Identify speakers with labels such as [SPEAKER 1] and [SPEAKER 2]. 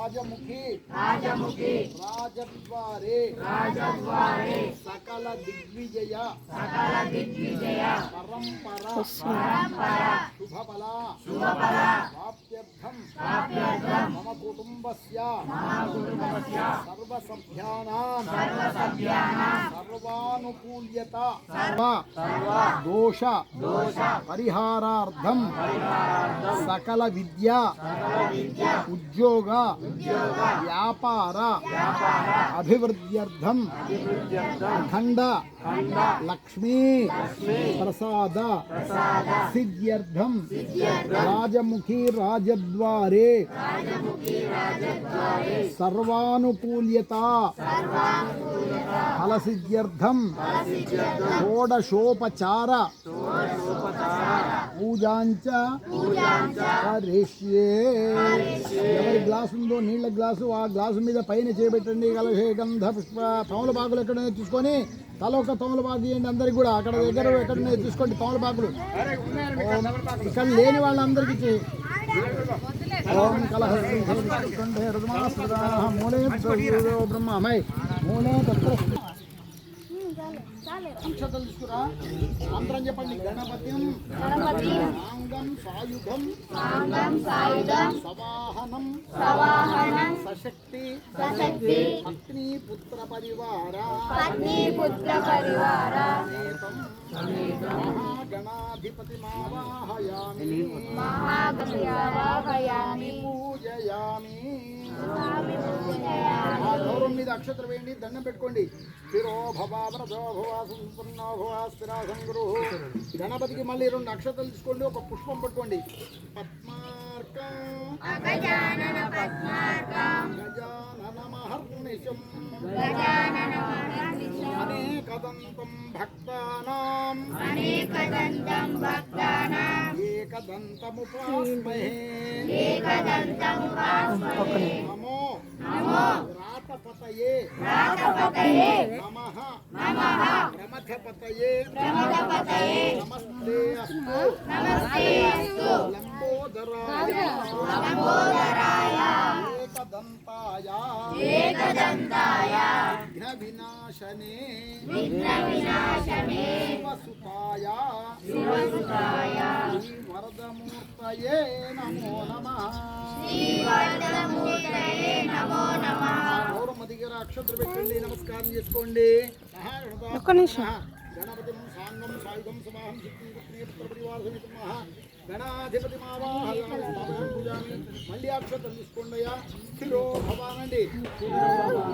[SPEAKER 1] రాజముఖి రాజద్వారే సకల దిగ్విజయ పరంపర శుభఫల ప్రాప్త్యర్థం మమ కుటుంబస్య సర్వసభ్యానాం సర్వానుకూల్యత దోష పరిహారార్థం సకల విద్యా ఉద్యోగ వ్యాపార అభివృద్ధ్యర్థం అఖండ లక్ష్మీ ప్రసాద సిద్ధ్యర్థం రాజముఖి రాజద్వారే సర్వానుకూల్యత ఫలసిద్ధ్యర్థం షోడశోపచార పూజాంచ కరిష్యే. ఎవరి గ్లాసు ఉందో నీళ్ళ గ్లాసు ఆ గ్లాసు మీద పైన చేపెట్టండి. కలశే గంధ పుష్ప తమలపాకులు ఎక్కడైనా తీసుకొని తల ఒక తమలపాకు ఇవ్వండి అందరికి కూడా. అక్కడ దగ్గర ఎక్కడైనా తీసుకోండి తమలపాకులు. ఇక్కడ లేని వాళ్ళందరికీ ఓం కలహే మూలే బ్రహ్మమై మూలే తత్ర అక్షతలు తీసుకురా. మంత్రం చెప్పండి. గణపతిం సాంగం సాయుధం సవాహనం సశక్తి పత్ని పుత్ర పరివార మహాగణాధిపతి మావాహయామి పూజయామి. గౌరవం మీద అక్షత్ర వేయండి. దండం పెట్టుకోండి. స్థిరో భవావ్రతో భవా సంపన్నో భవా స్థిరాసం గురు. గణపతికి మళ్ళీ 2 అక్షతలు తీసుకోండి. ఒక పుష్పం పట్టుకోండి. పద్మార్కం గజానన మహర్నిశం అనేకదంతం భక్తానాం ఏకదంతముపాస్మహే. నమో రాతపతయే నమః ప్రమథపతయే నమస్తే అస్తు లంబోదరాయ ఏకదంతాయ విఘ్నవినాశనే శివసుతాయ శ్రీవరదమూర్తయే నమో నమః. గౌరమ్మ దగ్గర అక్షత్ర పెట్టండి. నమస్కారం చేసుకోండి. గణపతి సాంగం సాయుధం సమాహం శక్తి పుత్ర పరివార సమితం గణాధిపతి మావాహయామి పూజామి. మళ్ళీ అక్షత్రం తీసుకోండి. స్థిరో భవానండి.